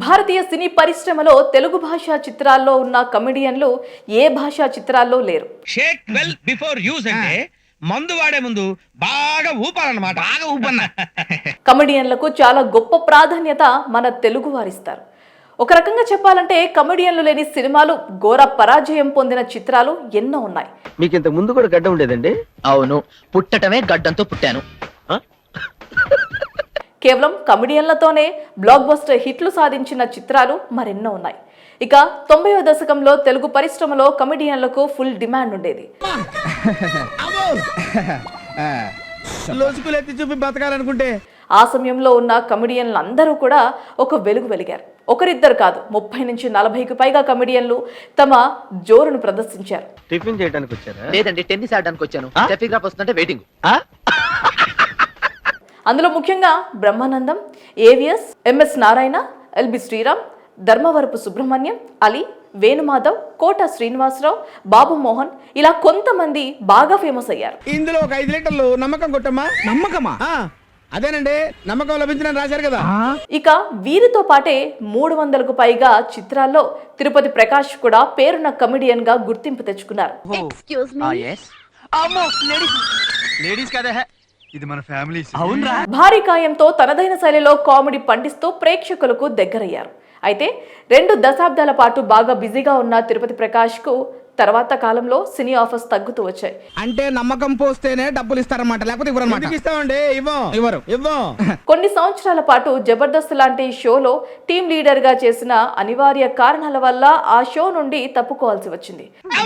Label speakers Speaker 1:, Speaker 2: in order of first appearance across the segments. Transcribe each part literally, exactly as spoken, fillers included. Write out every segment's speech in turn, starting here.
Speaker 1: భారతీయ సినీ పరిశ్రమలో తెలుగు భాషా చిత్రాల్లో ఉన్న కమెడియన్లు ఏ భాషా చిత్రాల్లో లేరు.
Speaker 2: షేక్ వెల్ బిఫోర్ యూజ్ అంటే మందు వాడే ముందు బాగా ఊపాలన్నమాట. బాగా ఊపన్నా.
Speaker 1: కమెడియన్లకు చాలా గొప్ప ప్రాధాన్యత మన తెలుగు వారిస్తారు. ఒక రకంగా చెప్పాలంటే కమెడియన్లు లేని సినిమాలు, ఘోర పరాజయం పొందిన చిత్రాలు ఎన్నో ఉన్నాయి.
Speaker 3: మీకు ఇంత ముందు కూడా గడ్డ ఉండేదండి?
Speaker 4: అవును, పుట్టటమే గడ్డంతో పుట్టాను.
Speaker 1: కేవలం కమెడియన్లతోనే బ్లాక్ బస్టర్ హిట్లు సాధించిన చిత్రాలు మరెన్నో ఉన్నాయి. ఇక తొంభైవ దశకంలో తెలుగు పరిశ్రమలో కమెడియన్లకు ఫుల్ డిమాండ్ ఉండేది.
Speaker 3: చూపి బతకాలనుకుంటే
Speaker 1: ఆ సమయంలో ఉన్న కమెడియన్లు అందరూ కూడా ఒక వెలుగు వెలిగారు. ఒకరిద్దరు కాదు, ముప్పై నుంచి నలభైకి పైగా కమెడియన్లు తమ జోరును ప్రదర్శించారు.
Speaker 3: టిఫిన్ చేయడానికి వచ్చారా?
Speaker 4: లేదండి, టెన్నిస్ ఆడడానికి వచ్చాను. టెఫిగ్రాఫ్ వస్తుంటే వెయిటింగ్.
Speaker 1: అందులో ముఖ్యంగా బ్రహ్మానందం, ఏవిఎస్, ఎంఎస్ నారాయణ, ఎల్బి శ్రీరామ్, ధర్మవరపు సుబ్రహ్మణ్యం, అలీ, వేణుమాధవ్, కోట శ్రీనివాసరావు, బాబు మోహన్, ఇలా కొంతమంది బాగా ఫేమస్ అయ్యారు.
Speaker 3: ఇందులో ఒక ఐదు లీటర్లు నమ్మకం కొట్టమ్మా. నమ్మకమా? అదేనండి, నమ్మకం లభించిన రాశారు కదా.
Speaker 1: ఇక వీరితో పాటే మూడు వందలకు పైగా చిత్రాల్లో తిరుపతి ప్రకాష్ కూడా పేరున్న కమెడియన్ గా గుర్తింపు తెచ్చుకున్నారు.
Speaker 3: ఇది మన ఫ్యామిలీ.
Speaker 1: భారీ కాయంతో తనదైన శైలిలో కామెడీ పండిస్తూ ప్రేక్షకులకు దగ్గరయ్యారు. అయితే రెండు దశాబ్దాల పాటు బాగా బిజీగా ఉన్న తిరుపతి ప్రకాష్ కు తర్వాత కాలంలో సినీ ఆఫర్స్ తగ్గుతూ వచ్చాయి.
Speaker 3: అంటే నమ్మకం పోస్తేనే డబ్బులు ఇస్తారన్నమాట, లేకపోతే ఇవ్వరన్నమాట. ఇస్తామండి, ఇవ్వం ఇవ్వరు ఇవ్వం.
Speaker 1: కొన్ని సంవత్సరాల పాటు జబర్దస్త్ లాంటి షోలో టీం లీడర్ గా చేసిన అనివార్య కారణాల వల్ల ఆ షో నుండి తప్పుకోవాల్సి వచ్చింది.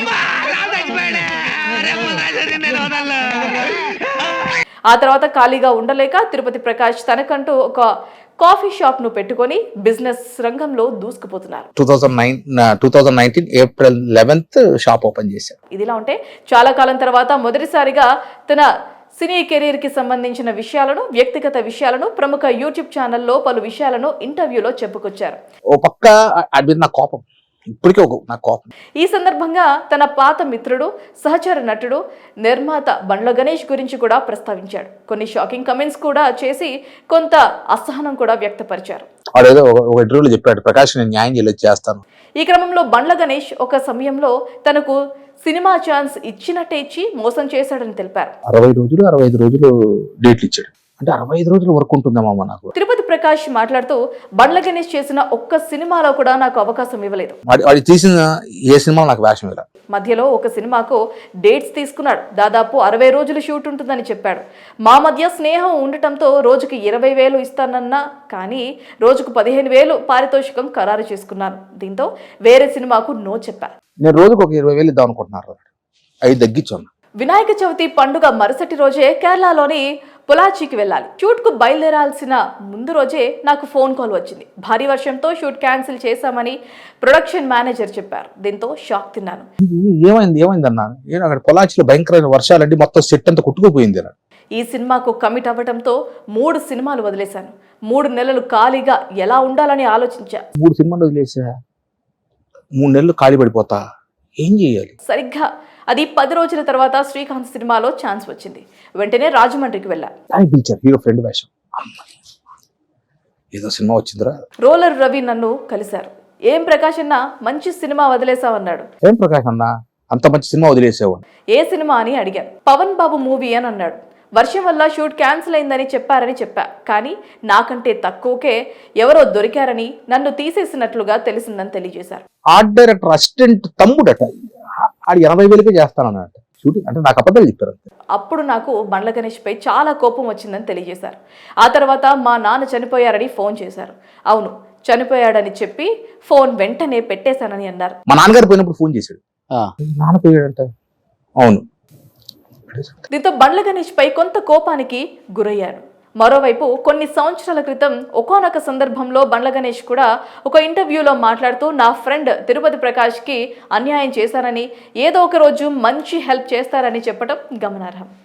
Speaker 1: ఆ తర్వాత ఖాళీగా ఉండలేక తిరుపతి ప్రకాష్ తనకంటూ ఒక కాఫీ షాప్ ను పెట్టుకొని బిజినెస్ రంగంలో దూసుకుపోతున్నారు.
Speaker 5: Two thousand nineteen April eleventh shop open చేశారు.
Speaker 1: ఇదిలా ఉంటే చాలా కాలం తర్వాత మొదటిసారిగా తన సినీ కెరీర్ కి సంబంధించిన విషయాలను, వ్యక్తిగత విషయాలను ప్రముఖ యూట్యూబ్ ఛానల్లో పలు విషయాలను ఇంటర్వ్యూలో చెప్పుకొచ్చారు.
Speaker 5: ఓ పక్క అది నా కోపం, ఇప్పటికే ఒక నా కోపం.
Speaker 1: ఈ సందర్భంగా తన పాత మిత్రుడు, సహచర నటుడు, నిర్మాత బండ్ల గణేష్ గురించి కూడా ప్రస్తావించాడు. కొన్ని షాకింగ్ కమెంట్స్ కూడా చేసి కొంత అసహనం కూడా వ్యక్తపరిచారు.
Speaker 5: వాడేదో ఒక ఇంటర్వ్యూలో చెప్పాడు, ప్రకాష్ నేను న్యాయం చేయలేదు చేస్తాను.
Speaker 1: ఈ క్రమంలో బండ్ల గణేష్ ఒక సమయంలో తనకు సినిమా ఛాన్స్ ఇచ్చినట్టే ఇచ్చి మోసం చేశాడని తెలిపారు.
Speaker 5: అరవై రోజులు అరవై ఐదు రోజులు డేట్లు ఇచ్చాడు. అంటే అరవై ఐదు రోజులు వర్క్ ఉంటుందమ్మా నాకు.
Speaker 1: తిరుపతి ప్రకాష్ మాట్లాడుతూ బండ్ల గణేష్ చేసిన ఒక్క సినిమాలో కూడా నాకు అవకాశం ఇవ్వలేదు.
Speaker 5: వాడి తీసిన ఏ సినిమా నాకు వేషం ఇవ్వలేదు.
Speaker 1: మధ్యలో ఒక సినిమాకు డేట్స్ తీసుకున్నాడు. దాదాపు అరవై రోజులు షూట్ ఉంటుందని చెప్పాడు. మా మధ్య స్నేహం ఉండటంతో రోజుకి ఇరవై వేలు ఇస్తానన్నా కానీ రోజుకు పదిహేను వేలు పారితోషికం ఖరారు చేసుకున్నాను. దీంతో వేరే సినిమాకు నో చెప్పాను.
Speaker 5: నేను రోజుకు ఒక ఇరవై వేలు ఇద్దాం అనుకుంటున్నారు, అవి తగ్గించాను.
Speaker 1: వినాయక చవితి పండుగ మరుసటి రోజే కేరళలోని పొలాచికి వెళ్ళాలి. షూట్ కు బయలుదేరాల్సిన ముందు రోజే నాకు ఫోన్ కాల్ వచ్చింది. భారీ వర్షంతో షూట్ క్యాన్సిల్ చేశామని ప్రొడక్షన్ మేనేజర్ చెప్పారు. దీంతో షాక్ తిన్నాను.
Speaker 5: ఏమైంది ఏమైంది అన్నాను. నేను అక్కడ పొలాచిలో భయంకరమైన వర్షాలంటే మొత్తం సెట్ అంతా కొట్టుకుపోయింది.
Speaker 1: ఈ సినిమాకు కమిట్ అవ్వడంతో మూడు సినిమాలు వదిలేశాను. మూడు నెలలు ఖాళీగా ఎలా ఉండాలని ఆలోచించా.
Speaker 5: మూడు సినిమాలు వదిలేసా, మూడు నెలలు ఖాళీ పడిపోతా, ఏం చేయాలి?
Speaker 1: సరిగ్గా అది పది రోజుల తర్వాత శ్రీకాంత్ సినిమాలో ఛాన్స్ వచ్చింది. వెంటనే రాజమండ్రికి వెళ్ళా.
Speaker 5: హీరో ఫ్రెండ్ వేషం, ఏదో సినిమా వచ్చిందిరా.
Speaker 1: రోలర్ రవి నన్ను కలిశారు. ఏం ప్రకాష్ అన్న మంచి సినిమా వదిలేసావన్నాడు.
Speaker 5: ఏం ప్రకాష్ అన్న అంత మంచి సినిమా వదిలేసావు?
Speaker 1: ఏ సినిమా అని అడిగాను. పవన్ బాబు మూవీ అని అన్నాడు. వర్షం వల్ల షూట్ క్యాన్సిల్ అయిందని చెప్పారని చెప్పా. కానీ నాకంటే తక్కువకే ఎవరో దొరికారని, నన్ను తీసేసినట్లుగా తెలిసిందని తెలియజేశారు.
Speaker 5: ఆర్ట్ డైరెక్టర్ అసిస్టెంట్ తమ్ముడట, ఆడు ఎనభై వేలకే చేస్తానన్నట్టు షూటింగ్. అంటే నాకు అబద్ధాలు చెప్పారు.
Speaker 1: అప్పుడు నాకు బండ్ల గణేష్ పై చాలా కోపం వచ్చిందని తెలియజేశారు. ఆ తర్వాత మా నాన్న చనిపోయారని ఫోన్ చేశారు. అవును, చనిపోయాడని చెప్పి ఫోన్ వెంటనే పెట్టేశానని అన్నారు.
Speaker 5: మా నాన్నగారు పోయినప్పుడు ఫోన్ చేశాడు, నాన్న పోయాడంట. అవును.
Speaker 1: దీంతో బండ్ల గణేష్ పై కొంత కోపానికి గురయ్యాను. మరోవైపు కొన్ని సంవత్సరాల క్రితం ఒకానొక సందర్భంలో బండ్ల గణేష్ కూడా ఒక ఇంటర్వ్యూలో మాట్లాడుతూ నా ఫ్రెండ్ తిరుపతి ప్రకాష్కి అన్యాయం చేశారని, ఏదో ఒక రోజు మంచి హెల్ప్ చేస్తారని చెప్పడం గమనార్హం.